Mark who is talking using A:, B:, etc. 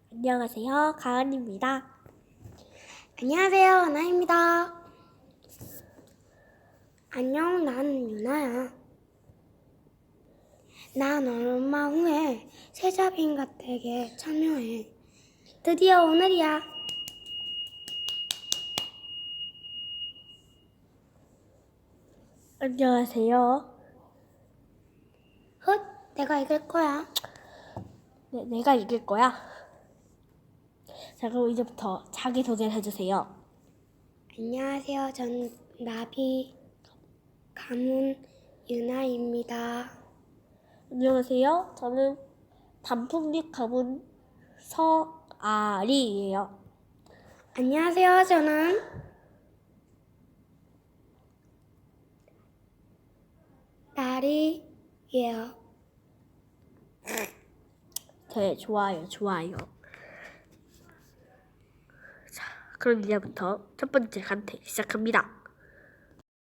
A: 안녕하세요, 가은입니다.
B: 안녕하세요, 하나입니다. 안녕, 나는 유나야. 난 얼마 후에 세자빈가댁에 참여해. 드디어 오늘이야.
A: 안녕하세요.
B: 훗, 내가 이길 거야.
A: 네, 내가 이길 거야. 자, 그럼 이제부터 자기소개를 해주세요.
B: 안녕하세요, 전 나비 가문 유나입니다.
A: 안녕하세요. 저는 단풍잎 가문 서아리예요.
B: 안녕하세요, 저는 나리예요.
A: 네, 좋아요. 자, 그럼 이제부터 첫 번째 간택 시작합니다.